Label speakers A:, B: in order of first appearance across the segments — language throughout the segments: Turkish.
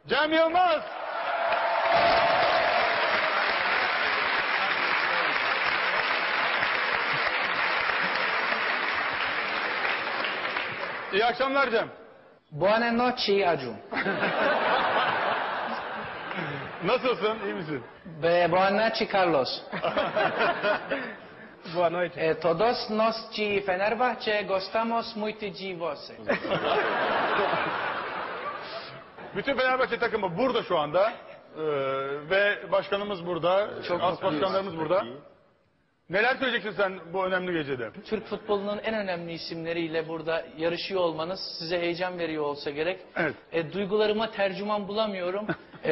A: Cem Yılmaz. İyi akşamlar Cem.
B: Buonanotte Acun.
A: Nasılsın? İyi misin?
B: Buonanotte Carlos.
C: Boa noite.
B: Todos nós de Fenerbahçe gostamos muito de você.
A: Bütün Fenerbahçe takımı burada şu anda. Ve başkanımız burada.
B: Çok
A: As
B: mutluyuz.
A: başkanlarımız burada. Neler söyleyeceksin sen bu önemli gecede?
B: Türk futbolunun en önemli isimleriyle burada yarışıyor olmanız size heyecan veriyor olsa gerek.
A: Evet.
B: Duygularıma tercüman bulamıyorum.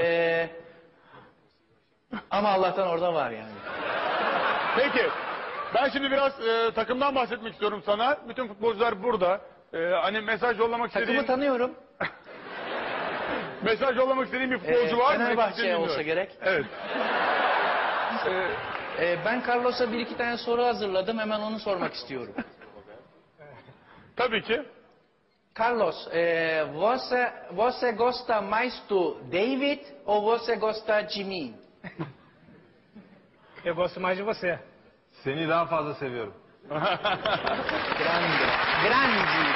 B: Ama Allah'tan orada var yani.
A: Peki. Ben şimdi biraz takımdan bahsetmek istiyorum sana. Bütün futbolcular burada. Hani mesaj yollamak istediğin...
B: Takımı tanıyorum.
A: Mesaj yollamak istediğin bir futbolcu var mı?
B: Fenerbahçe olsa gerek.
A: Evet.
B: Ben Carlos'a bir iki tane soru hazırladım. Hemen onu sormak istiyorum.
A: Tabii ki.
B: Carlos, você gosta mais do David ou você gosta de mim?
C: Eu gosto mais de você.
D: Seni daha fazla seviyorum.
B: Grande. Grande.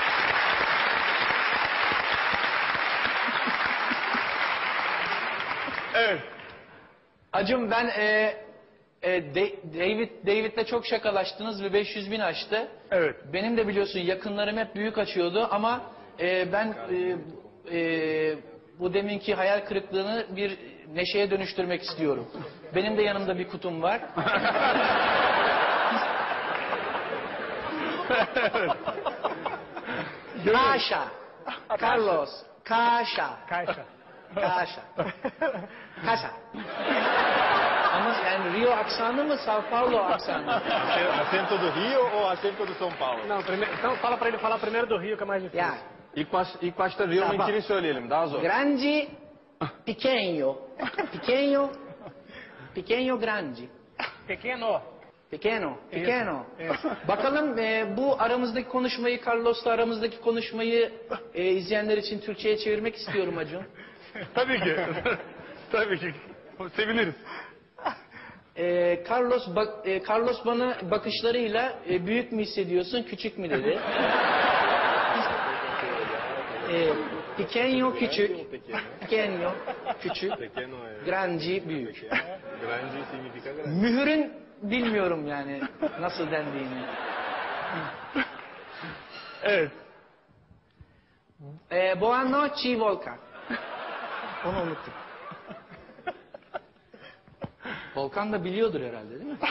A: Evet.
B: Acım ben David'le çok şakalaştınız ve 500.000 açtı.
A: Evet.
B: Benim de biliyorsun yakınlarım hep büyük açıyordu ama ben bu deminki hayal kırıklığını bir neşeye dönüştürmek istiyorum. Benim de yanımda bir kutum var. Kaşa. Carlos. Kaşa.
C: Caixa.
B: Kaşa. Kaşa. Ama yani Rio aksanı mı, São Paulo aksanı?
D: Acento do Rio ou acento do São Paulo?
C: Não, então fala pra ele falar primeiro do Rio, que é mais difícil.
B: Ya.
D: İlk başta Rio'nunkini söyleyelim, daha zor.
B: Grande, pequeno. Pequeno, pequeno, grande.
C: Pequeno.
B: Pequeno, pequeno.
C: Evet.
B: Bakalım bu aramızdaki konuşmayı, Carlos'la aramızdaki konuşmayı izleyenler için Türkçe'ye çevirmek istiyorum Acun.
A: Tabii ki. Tabii ki. Seviniriz.
B: Carlos bana bakışlarıyla büyük mü hissediyorsun, küçük mü dedi. Pequeno, küçük. Pequeno, küçük. Grande, büyük.
D: Grande significa grande.
B: Mühürün bilmiyorum yani nasıl dendiğini.
A: Evet.
B: Boa noite, Volkan. Onu unuttum. Volkan da biliyordur herhalde değil mi?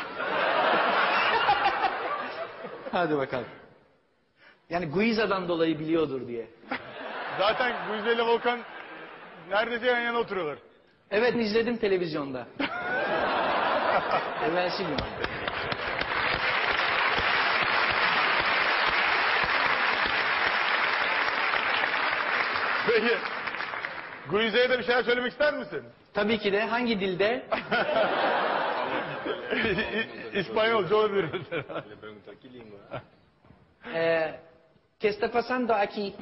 B: Hadi bakalım. Yani Guiza'dan dolayı biliyordur diye.
A: Zaten Guize ile Volkan neredeyse yan yana oturuyorlar.
B: Evet izledim televizyonda. Evvelsi gün.
A: Peki. Guize'ye de bir şeyler söylemek ister misin?
B: Tabii ki de hangi dilde?
A: İspanyolca olabilir.
D: Ele perguntou que língua.
B: ¿Qué está pasando aquí?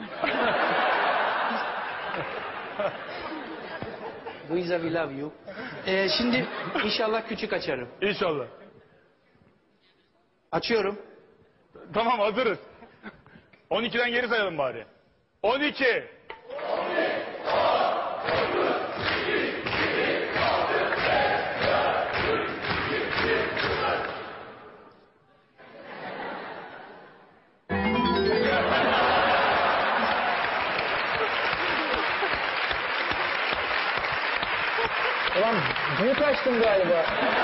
B: Guiza we love you. Şimdi inşallah küçük açarım.
A: İnşallah.
B: Açıyorum.
A: Tamam hazırız. 12'den geri sayalım bari. 12.
B: Ulan büyük açtım galiba.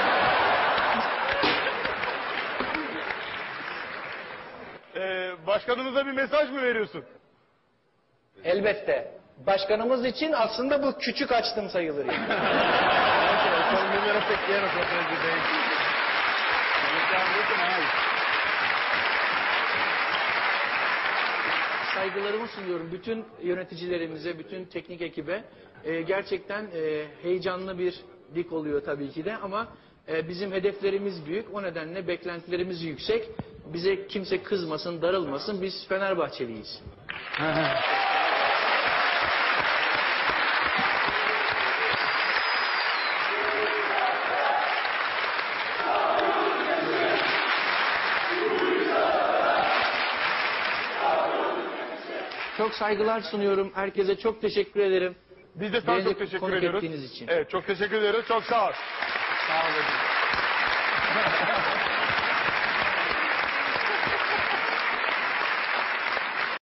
A: Başkanımıza bir mesaj mı veriyorsun?
B: Elbette. Başkanımız için aslında bu küçük açtım sayılır yani.
D: Son número pequeno para o presidente.
B: Saygılarımı sunuyorum bütün yöneticilerimize, bütün teknik ekibe. Gerçekten heyecanlı bir lig oluyor tabii ki de ama bizim hedeflerimiz büyük. O nedenle beklentilerimiz yüksek. Bize kimse kızmasın, darılmasın. Biz Fenerbahçeliyiz. Çok saygılar sunuyorum. Herkese çok teşekkür ederim.
A: Biz de sana
B: Beni
A: çok teşekkür
B: konuk
A: ediyoruz.
B: ettiğiniz için.
A: Evet, çok teşekkür ediyoruz. Çok sağ ol.
B: Sağ olun.